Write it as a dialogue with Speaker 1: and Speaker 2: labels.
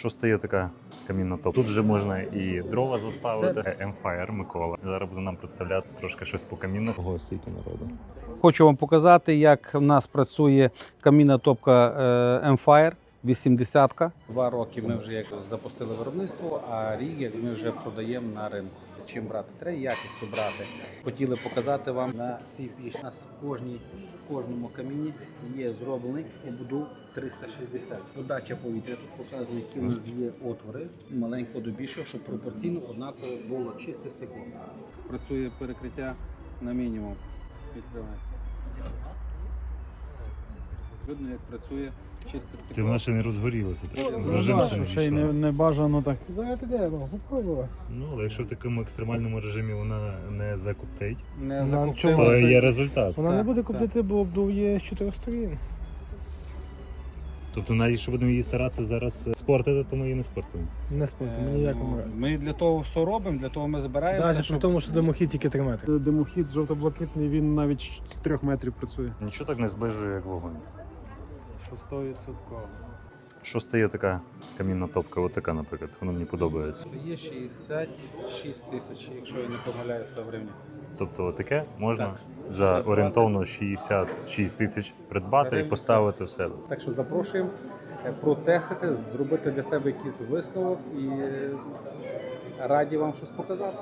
Speaker 1: Що стає така камінна топка? Тут вже можна і дрова заставити. Емфайр Микола. Зараз буде нам представляти трошки щось по каміну. Ого, стільки народу.
Speaker 2: Хочу вам показати, як в нас працює камінна топка Empire 80-ка. 2 роки ми вже як запустили виробництво, а рік як ми вже продаємо на ринку. Чим брати? Треба якістю брати. Хотіли показати вам на цій пічці. У нас в кожному каміні є зроблений ободок 360. Подача повітря. Тут показує, які у нас є отвори, маленького до більшого, щоб пропорційно однаково було чисте стекло. Працює перекриття на мінімум. Відкривай. Видно, як працює чисте стекло.
Speaker 1: Це вона ще не розгорілася. Режим ще не
Speaker 3: Ще й
Speaker 1: війшла.
Speaker 3: не бажано так. Зараз піде, попробуй.
Speaker 1: Ну, але якщо в такому екстремальному режимі вона не закоптить,
Speaker 2: Не
Speaker 3: чому?
Speaker 1: то
Speaker 2: закоптила.
Speaker 1: є результат.
Speaker 3: Вона не
Speaker 2: Так,
Speaker 3: буде
Speaker 2: так.
Speaker 3: коптити, бо обдув є з 4 сторін.
Speaker 1: Тобто навіть якщо будемо її старатися зараз спортити, то ми її не спортимо.
Speaker 3: Не спортимо, ніякому разі.
Speaker 2: Ми для того все робимо, для того ми збираємося.
Speaker 3: Навіть при тому, що димохід тільки 3 метри. Димохід жовто-блакитний, він навіть з 3 метрів працює.
Speaker 1: Нічого так не зближує, як вогонь.
Speaker 3: 100%.
Speaker 1: Що стає така камінна топка? Ось така, наприклад, вона мені подобається.
Speaker 2: Це є 66 тисяч, якщо я не помиляюся в гривні.
Speaker 1: Тобто таке можна
Speaker 2: Так.
Speaker 1: за орієнтовно 66 тисяч придбати і поставити в себе.
Speaker 2: Так що запрошуємо протестити, зробити для себе якийсь висновок і раді вам щось показати.